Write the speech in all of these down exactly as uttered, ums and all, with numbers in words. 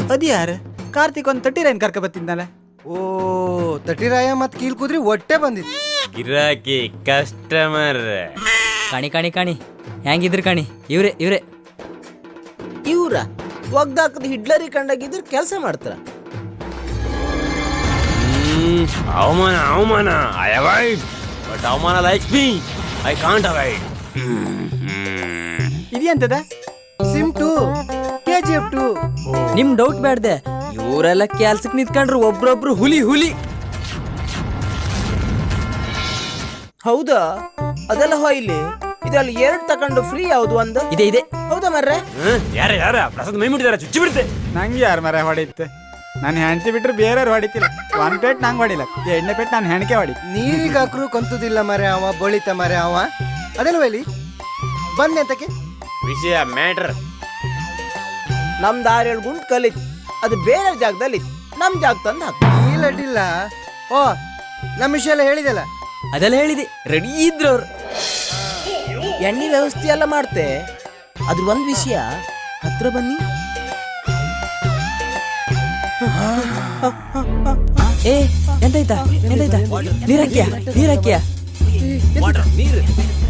ಅದ್ ಯಾರ ಕಾರ್ತಿಕ್ ಒಂದ್ ತಟ್ಟಿ ರೈನ್ ಕರ್ಕ ಬತ್ತಿದ್ನಲ್ಲ. ಓ ತಟಿರಾಯ ಮತ್ ಕೀಲ್ ಕುದ್ರಿ ಒಟ್ಟೆ ಬಂದಿತ್ತು. ಗಿರಾಕಿ ಕಸ್ಟಮರ್ ಕಾಣಿ ಕಾಣಿ ಕಾಣಿ ಹೆಂಗಿದ್ರು ಕಾಣಿ ಇವ್ರೆ ಇವ್ರೆ ಇವ್ರ ಒಗ್ದಾಕದ ಹಿಡ್ಲರಿ ಕಂಡಾಗಿದ್ರು ಕೆಲಸ ಮಾಡ್ತಾರ. ಅವಮಾನ ಅವಮಾನ ಐ ಅವಾಯ್ಡ್ ಬಟ್ ಅವಮಾನ likes me I can't avoid. ಇದೆಂತದ ಸಿಮ್ ಟು ಕೆ ಜಿ ಎಫ್ ಟು. ನಿಮ್ ಡೌಟ್ ಬ್ಯಾಡ್ದೆ, ಇವರೆಲ್ಲ ಕೆಲ್ಸಕ್ ನಿಂತ್ಕೊಂಡ್ರು ಒಬ್ರೊಬ್ರು ಹುಲಿ ಹುಲಿ. ಹೌದಾ ಅದೆಲ್ಲ ಹೊಯ್ಲಿ ಇದೆಲ್ಲ ಎರಡ್ ತಕೊಂಡು ಫ್ರೀ ಯಾವ್ದು ಒಂದು ಇದೆ ಇದೆ. ಹೌದಾ ಮರ್ರೆ? ಯಾರ ಯಾರ ಪ್ರಸಾದ್ ಮೈ ಮುಟ್ಟಿದಾರ ಚುಚ್ಚಿ ಬಿಡುತ್ತೆ. ನಂಗೆ ಯಾರ ಮರ ಹೊಡಿತ್ತೆ? ನಾನು ಹೆಂಡತಿ ಬಿಟ್ರೆ ಬೇರೆಯವ್ರು ಹೊಡಿತಿಲ್ಲ. ಒಂದ್ ಪೇಟ್ ನಂಗೆ ಹೊಡಿಲ್ಲ, ಎರಡನೇ ಪೇಟ್ ನಾನು ಹೆಣ್ಕೆ ಹೊಡಿ. ನೀರಿಗೆ ಹಾಕ್ರು ಕಂತುದಿಲ್ಲ ಮರೆ ಅವ ಬಳಿತ ಮರೆ ಅವ. ಅದೆಲ್ಲ ಹೇಳಿ ಬಂದೆ ಅಂತಕ್ಕೆ ವಿಷಯ ಮ್ಯಾಟರ್. ನಮ್ ದಾರಿಯಲ್ಲಿ ಗುಂಟ್ ಕಲಿತ್ ಅದು ಬೇರೆ ಜಾಗದಲ್ಲಿ ನಮ್ ಜಾಗ ತಂದು ಹಾಕ. ಇಲ್ಲ ಅಡ್ಡಿಲ್ಲ. ಓ ನಮ್ಮ ವಿಷಯ ಎಲ್ಲ ಹೇಳಿದೆಲ್ಲ. ಅದೆಲ್ಲ ಹೇಳಿದೆ, ರೆಡಿ ಇದ್ರು ಅವ್ರು. ಎಣ್ಣೆ ವ್ಯವಸ್ಥೆ ಎಲ್ಲ ಮಾಡ್ತೆ. ಅದ್ರ ಒಂದ್ ವಿಷಯ ಹತ್ರ ಬನ್ನಿ. ಏ ಎಂತಾಯ್ತಾ ಎಂತಾಯ್ತಾ? ನೀರಾಕ್ಯ ನೀರಾಕ್ಯ ನೀರು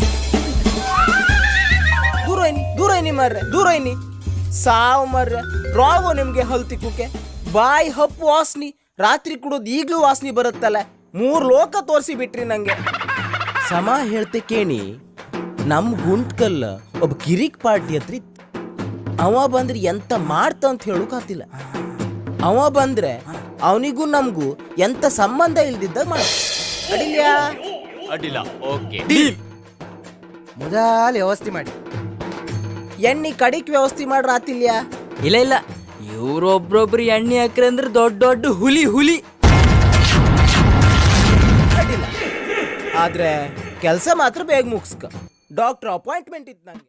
ದೂರ ಏನಿ ದೂರ ಏನಿ ಮರ್ರೆ ದೂರ ಏನಿ ಸಾವು ಮರ್ರೆ. ರಾಗೋ ನಿಮ್ಗೆ ಹಲ್ ತಿಕ್ಕುಕೆ ಬಾಯಿ ಹಪ್ಪು ವಾಸನಿ. ರಾತ್ರಿ ಕುಡೋದು ಈಗ್ಲೂ ವಾಸನಿ ಬರುತ್ತಲ್ಲ. ಮೂರ್ ಲೋಕ ತೋರಿಸಿ ಬಿಟ್ರಿ ನಂಗೆ. ಸಮ ಹೇಳ್ತೆ ಕೇಣಿ, ನಮ್ ಗುಂಟ್ಕಲ್ಲ ಒಬ್ಬ ಕಿರಿಕ್ ಪಾರ್ಟಿ ಹತ್ರ ಇತ್ತು. ಅವ ಬಂದ್ರೆ ಎಂತ ಮಾಡ್ತ ಅಂತ ಹೇಳೋಕಾತಿಲ್ಲ. ಅವ ಬಂದ್ರೆ ಅವನಿಗೂ ನಮಗೂ ಎಂತ ಸಂಬಂಧ ಇಲ್ದಿದ್ದಾಗ ಮಾಡ ಅಡಿಲ್ಯಾ ಅಡ್ಡಿಲ್ಲ. ಓಕೆ ಮೊದಲ ವ್ಯವಸ್ಥೆ ಮಾಡಿ ಎಣ್ಣೆ ಕಡಿಕ್ ವ್ಯವಸ್ಥೆ ಮಾಡ್ರ ಆತಿಲ್ಯಾ? ಇಲ್ಲ ಇಲ್ಲ, ಇವ್ರೊಬ್ರೊಬ್ರು ಎಣ್ಣೆ ಹಾಕ್ರಿ ಅಂದ್ರೆ ದೊಡ್ಡ ದೊಡ್ಡ ಹುಲಿ ಹುಲಿ. ಅಡ್ಡಿಲ್ಲ, ಆದ್ರೆ ಕೆಲಸ ಮಾತ್ರ ಬೇಗ ಮುಗಿಸ್ಕ. ಡಾಕ್ಟರ್ ಅಪಾಯಿಂಟ್ಮೆಂಟ್ ಇತ್ತು ನಂಗೆ.